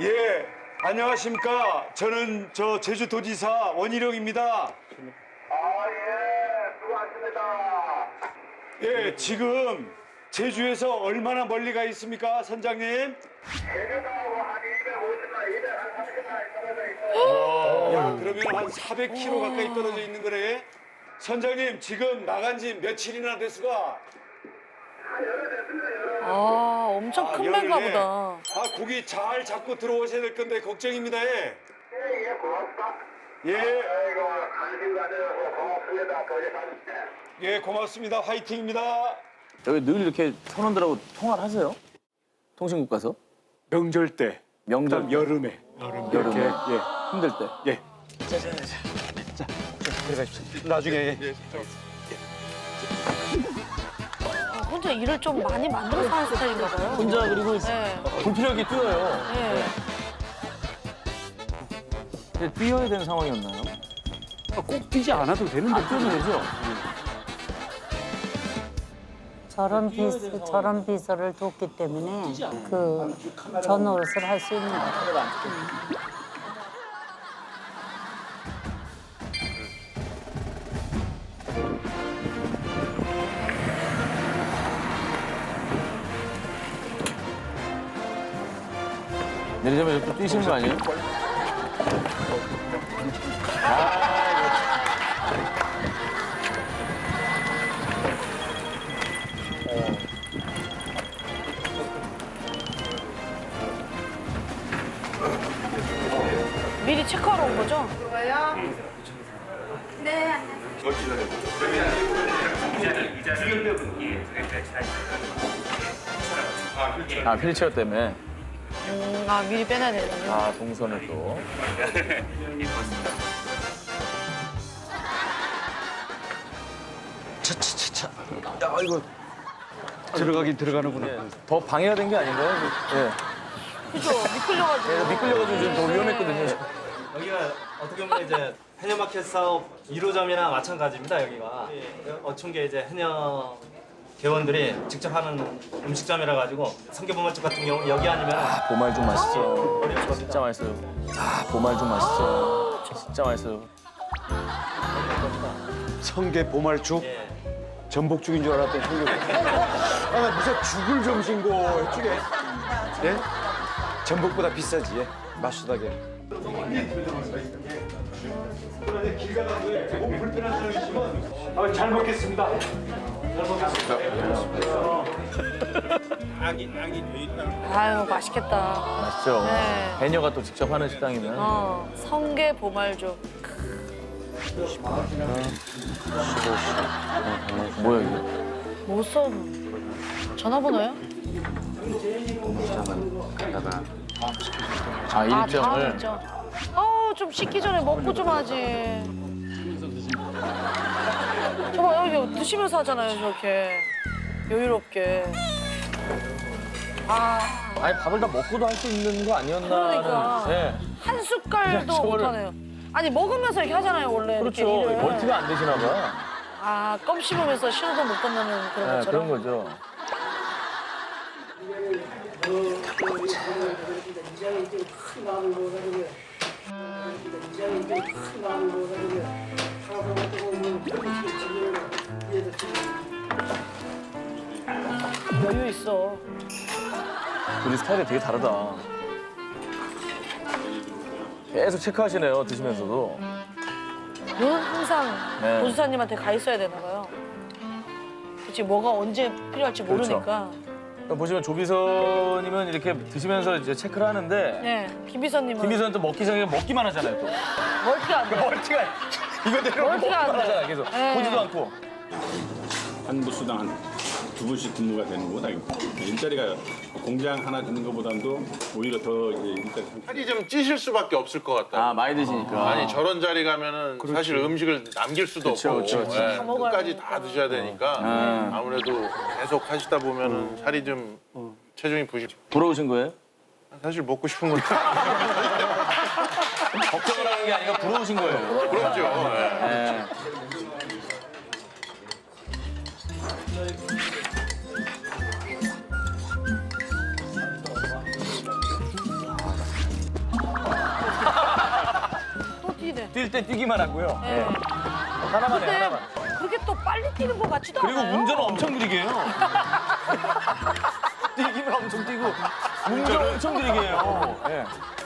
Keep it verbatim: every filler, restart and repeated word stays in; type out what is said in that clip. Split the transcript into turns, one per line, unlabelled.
예, 안녕하십니까. 저는 저 제주도지사 원희룡입니다.
아, 예, 수고하십니다.
예, 지금 제주에서 얼마나 멀리 가 있습니까, 선장님?
제주도하고 한 이백오십 마일, 이백삼십 마일 떨어져 있어요.
야, 그러면 한 사백 킬로미터 가까이 떨어져 있는 거네. 선장님, 지금 나간 지 며칠이나 됐수가?
아, 엄청
아,
큰 배인가
열흘에.
보다.
아, 고기 잘 잡고 들어오셔야 될 건데 걱정입니다. 예.
예, 예, 고맙다.
예,
아이고, 관심 가져서 고맙습니다. 도지사님.
예, 고맙습니다. 화이팅입니다.
여기 늘 이렇게 선원들하고 통화를 하세요? 통신국 가서?
명절 때,
명절
그다음 여름에, 여름
여름에.
이렇게,
힘들 때.
예, 예. 자, 자, 자, 자, 들어가십시오. 나중에. 예.
아, 혼자 일을 좀 많이 만들어서 하는 스타일인가 봐요.
혼자 그리고
네.
불필요하게 뛰어요.
네.
근데 뛰어야 되는 상황이었나요?
꼭 뛰지 않아도 되는데.
안 뛰어도 되죠?
저런 비서, 저런 비서를 뒀기 때문에 그 저 노릇을 할 수 있는 거예요.
내리자마자 또 뛰시는 거 아니에요?
미리 체크하러 온 거죠?
아, 휠체어 때문에.
음, 아, 미리 빼놔야 되는군요.
아, 동선을 또.
차차차차. 야, 이거 들어가긴 들어가는구나.
예, 더 방해가 된 게 아닌가요? 예.
그죠? 미끌려가지고.
예, 미끌려가지고 지금 더 위험했거든요.
여기가 어떻게 보면 이제 해녀마켓 사업 일 호점이나 마찬가지입니다. 여기가 어촌계 이제 해녀 개원들이 직접 하는 음식점이라 가지고 성게보말집 같은 경우 여기 아니면
보말죽 맛있어.
어렵거든요.
진짜 맛있어요. 아, 보말죽 맛있어. 진짜 맛있어요.
성게 보말죽,
예.
전복죽인 줄 알았더니 성게. 아, 나 무슨 죽을 좀 신고 해주게. 예? 전복보다 비싸지, 예? 맛수다게. 길 가다가 몸 불편한 사람 있으면 아, 잘 먹겠습니다.
아유, 맛있겠다.
맛있죠?
네.
해녀가 또 직접 하는 식당이면.
어, 성게 보말죽.
뭐야, 이게?
뭐 써? 전화번호요?
아,
아, 다음
일정을.
일정. 아우, 좀 식기 전에 먹고 좀 하지. 저봐, 여기 드시면서 하잖아요, 저렇게. 여유롭게. 아,
아니, 밥을 다 먹고도 할 수 있는 거 아니었나?
그러니까.
네.
한 숟갈도
저거를-
못하네요. 아니, 먹으면서 이렇게 하잖아요, 원래.
그렇죠.
이렇게 일을.
멀티가 안 되시나 봐.
아, 껌 씹으면서 신호도 못 건너는 그런
네,
것처럼.
그런 거죠.
여유 있어.
우리 스타일이 되게 다르다. 계속 체크하시네요, 드시면서도.
눈은 항상
네.
보수사님한테 가 있어야 되나 봐요. 그치, 뭐가 언제 필요할지
그렇죠.
모르니까.
그러니까 보시면 조비서님은 이렇게 드시면서 이제 체크를 하는데
네, 김비서님은
김비서는 또 먹기 전에 먹기만 하잖아요, 또.
멀티가 안 돼.
멀티가 이거 내려
멀티가
먹기만
안 돼.
하잖아, 계속.
네.
보지도 않고.
한 부수당 한 두 분씩 근무가 되는 거다. 일자리가 공장 하나 짓는 것보다도 오히려 더 이제 일자리
살이 좀 찌실 수밖에 없을 것 같다.
아, 많이 드시니까.
아니 저런 자리 가면은 사실 음식을 남길 수도
그쵸,
없고
그쵸, 그쵸.
예,
다 먹어야
끝까지
되니까.
다 드셔야 되니까
음.
아무래도 계속 하시다 보면은 살이 좀 체중이 부실.
부러우신 거예요?
사실 먹고 싶은 건데.
걱정을 하는 게 아니라 부러우신 거예요.
그렇죠. 예.
네. 뛸 때 뛰기만 하고요.
네.
예. 하나만 해,
근데
하나만.
그렇게 또 빨리 뛰는 것 같지도
그리고
않아요.
운전을 엄청 느리게 해요. 뛰기만 엄청 뛰고 운전 엄청 느리게 해요. 예.